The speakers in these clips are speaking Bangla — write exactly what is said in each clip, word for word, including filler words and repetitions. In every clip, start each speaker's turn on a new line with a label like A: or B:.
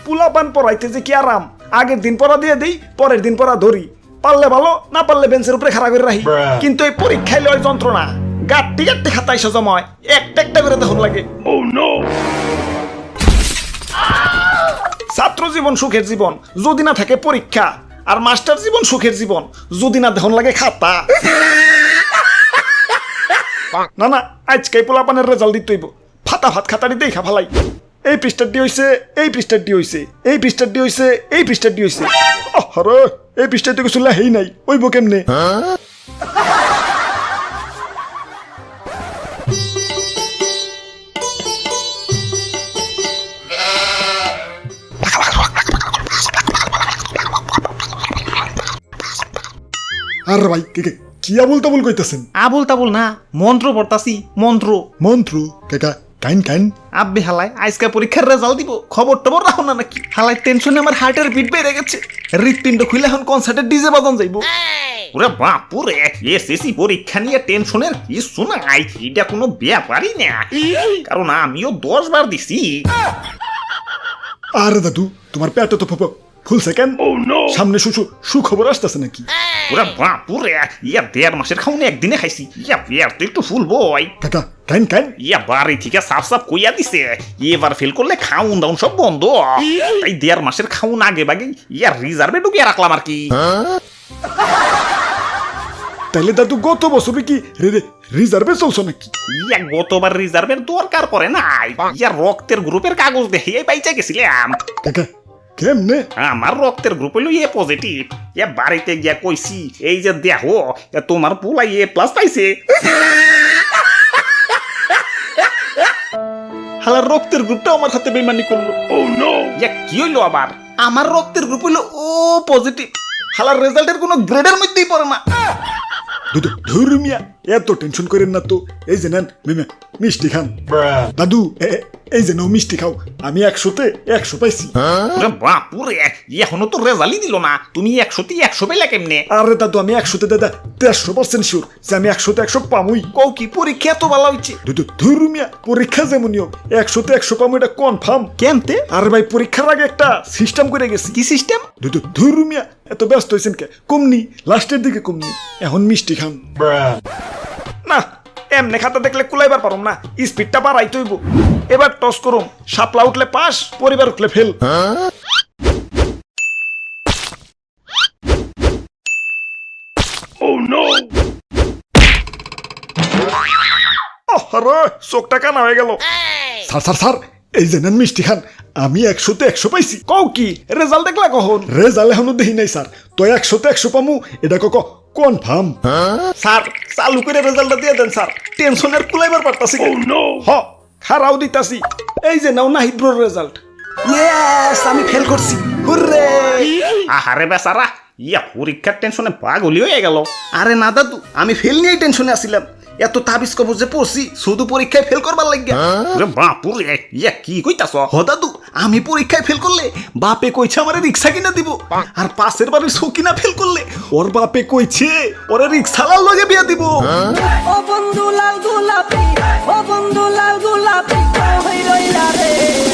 A: পোলাপান পড়াইতে যে কি আরাম, আগের দিন পড়া দিয়ে দেই, পরের দিন পড়া ধরি, পারলে ভালো না পারলে বেঞ্চের উপরে খাড়া করে রাখি। কিন্তু এই পরীক্ষায় লয় যন্ত্রণা, গাট্টি গাট্টি খাতা এসে জমায়, একটা একটা করে তখন লাগে। ছাত্র জীবন সুখের জীবন যদি না থাকে পরীক্ষা, আর মাস্টার জীবন সুখের জীবন যদি না দেখুন লাগে খাতা। না না, আজকে পোলাপানের রেজাল্ট দিতে হইব, ফাতা ফাত খাতারি দেখা ফালাই। এই পৃষ্ঠারটি হইছে, এই পৃষ্ঠারটি হইছে, এই পৃষ্ঠারটি হইছে, এই পৃষ্ঠারটি হইছে। আরে এই পৃষ্ঠাতে কিছু লেখাই নাই, ওইব কেমনে? আর ভাই কি আবুল তাবুল কইতাছেন?
B: আবুল তাবুল না, মন্ত্র পড়তাছি, মন্ত্র
A: মন্ত্র কাকা কাইন কাইন।
B: আব্বে হালাই আজকে পরীক্ষার রেজাল্ট দিব, খবর টবর রাখো না নাকি? হালাই টেনশনে আমার হার্টের বিট বেড়ে গেছে, হৃৎপিণ্ড খুলে এখন কনসার্টের ডিজে বাজান যাইবো।
C: ওরে বাপুরে, এসএসসি পরীক্ষা নিয়ে টেনশনের কিছু নাই, এটা কোনো ব্যাপারই না, কারণ আমিও দশ বার দিছি।
A: আরে দাদু তোমার পেট তো ফুল সেকেন্ড, সামনে সুসু সুখবর আসতেছে নাকি?
C: ওরে বাপুরে, ইয়া দেড় মাসের খাওনে একদিনে খাইছি, ইয়া পেট তো একটু ফুল বই।
A: কাকা কাইন কাইন।
C: ইয়া বাড়ি থেকে সাফ সাফ কইয়া দিছে, এবার ফেল করলে খাউন দাউন সব বন্ধ, তাই দেড় মাসের খাউন আগে বাগে ইয়া রিজার্ভে ঢুকিয়ে রাখলাম আর কি।
A: তাইলে দাদু গত বছরে কি রিজার্ভে চলছো নাকি?
C: ইয়া গতবার রিজার্ভের দরকার পড়ে নাই, ইয়া রক্তের গ্রুপের কাগজ দেখে পাইচা গেছিলাম।
A: কাকা কেমনে?
C: আমার রক্তের গ্রুপ হইল এ পজিটিভ, ইয়া বাড়িতে গিয়া কইছি এই যে দেখো তোমার পোলাই এ প্লাস পাইছে।
B: হালার রক্তের গ্রুপটা আমার হাতে বেইমানি করলো।
C: ইয়া কি হইলো আবার?
B: আমার রক্তের গ্রুপ হইলো ও পজিটিভ, হালার রেজাল্টের কোনো গ্রেডের মধ্যেই পড়ে না।
A: দাদু ধর্মিয়া এত টেনশন করেন না তো, এই যে নেন মিষ্টি খান। দাদু এই যে নাও মিষ্টি খাও, আমি একশোতে একশো পাইছি।
C: বাপুরে, এখনো তো রেজাল্টই দিল না, তুমি একশোতে একশো পেলে কেমনে?
A: আরে দাদু আমি একশোতে দাদা দেড়শো পার্সেন্ট শিওর যে আমি একশোতে একশো পামুই।
B: কও কি পরীক্ষা এত ভালো হইছে?
A: দাদু ধর্মিয়া পরীক্ষা যেমনই হোক একশোতে একশো পামু, এটা কনফার্ম।
B: কেমতে?
A: আরে ভাই পরীক্ষার আগে একটা সিস্টেম করে গেছি।
B: কি সিস্টেম?
A: দাদু ধর্মিয়া এত ব্যস্ত হয়েছেন কে? কমনি লাস্টের দিকে কমনি, এখন মিষ্টি খান। না এমনি খাতা দেখলে কুলাইবার পারম না, স্পিডটা বাড়াইতে হইব। এবার টস করুম, শাপলা উঠলে পাস, পরিবার উঠলে ফেল। চোখটা কানা হয়ে গেল। স্যার স্যার স্যার এই যে নেন মিষ্টি খান, আমি একশোতে একশো পাইছি। কও কি রেজাল্ট দেখলা কখন? রেজাল্ট এখনো দেখি নাই স্যার, তো একশোতে একশো পামু এটা কক কনফার্ম। স্যার চালু করে রেজাল্টটা দিয়ে দেন স্যার, টেনশনের কুলাইবার পারতাছি। হ খারাও দিতাছি, এই যে নাও নাহিদ ব্রোর রেজাল্ট। ইয়েস আমি ফেল করছি, হুররে।
C: আহারে বেচারা, ইয়া পরীক্ষার টেনশনে পাগলি হয়ে গেল।
B: আরে না দাদু, আমি ফেল নিয়েই টেনশনে আসছিলাম, এত তাবিজ কবজ যে পড়ছি শুধু পরীক্ষায় ফেল করবার লাগিয়া।
C: বাপুরে, ইয়া কি কইতাছ?
B: হ দাদু, আমি পরীক্ষায় ফেল করলে বাপে কইছে আমারে রিক্সা কিনা দিব, আর পাশের বাড়ির সকিনা ফেল করলে ওর বাপে কইছে ওরে রিক্সালার লগে বিয়া দিব।
D: ও বন্ধু লাল গোলাপি, ও বন্ধু লাল গোলাপি হই রইলা রে।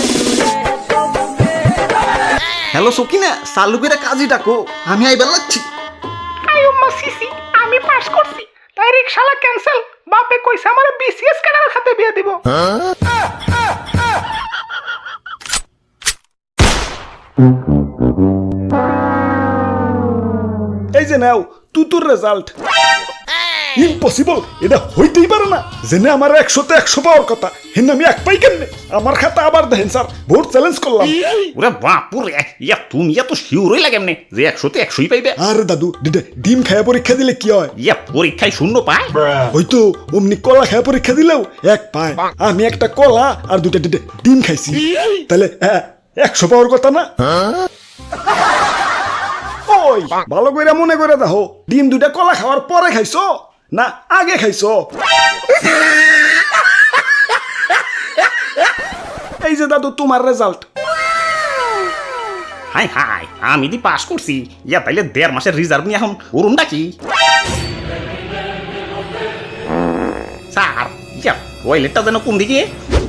B: হ্যালো সকিনা, চালু করে কাজী ডাকো, আমি আইবার লাগছি।
E: আয়ুম্মা সিসি, আমি পাস করছি, তাই রিক্সালা ক্যান্সেল, বাপে কইছে আমারে বিসিএস ক্যাডার খাতে বিয়ে দিব।
A: এই যে নাও তুতুর রেজাল্ট। ইম্পসিবল, এটা হইতেই পারে না, জেনে আমার একশোতে একশো পাওয়ার কথা, হেন আমি এক পাই কেমনে? আমার খাতা আবার দেখেন স্যার, ভোট চ্যালেঞ্জ করলাম।
C: ওরে বাপুরে, ইয়া তুমি এত শিওর হইলা কেমনে যে একশোতে একশোই পাইবে?
A: আরে দাদু ডিম খায়া পরীক্ষা দিলে কি হয়?
C: ইয়া পরীক্ষায় শূন্য পায়?
A: হয়তো অমনি কলা খায়া পরীক্ষা দিলেও এক পায়। আমি একটা কলা আর দুটা ডিম খাইছি, তাহলে একশো পাওয়ার কথা না? ওই ভালো করে মনে করে দেখো, ডিম দুটা কলা খাওয়ার পরে খাইছো না আগে খাইছো? এই যে দাদু তোমার রেজাল্ট।
C: হাই হাই, আমি দি পাস করছি, ইয়া তাইলে দেড় মাসের রিজার্ভ নিয়ে এখন করুনটা কি? স্যার ইয়া টয়লেটটা যেন কোন দিকে?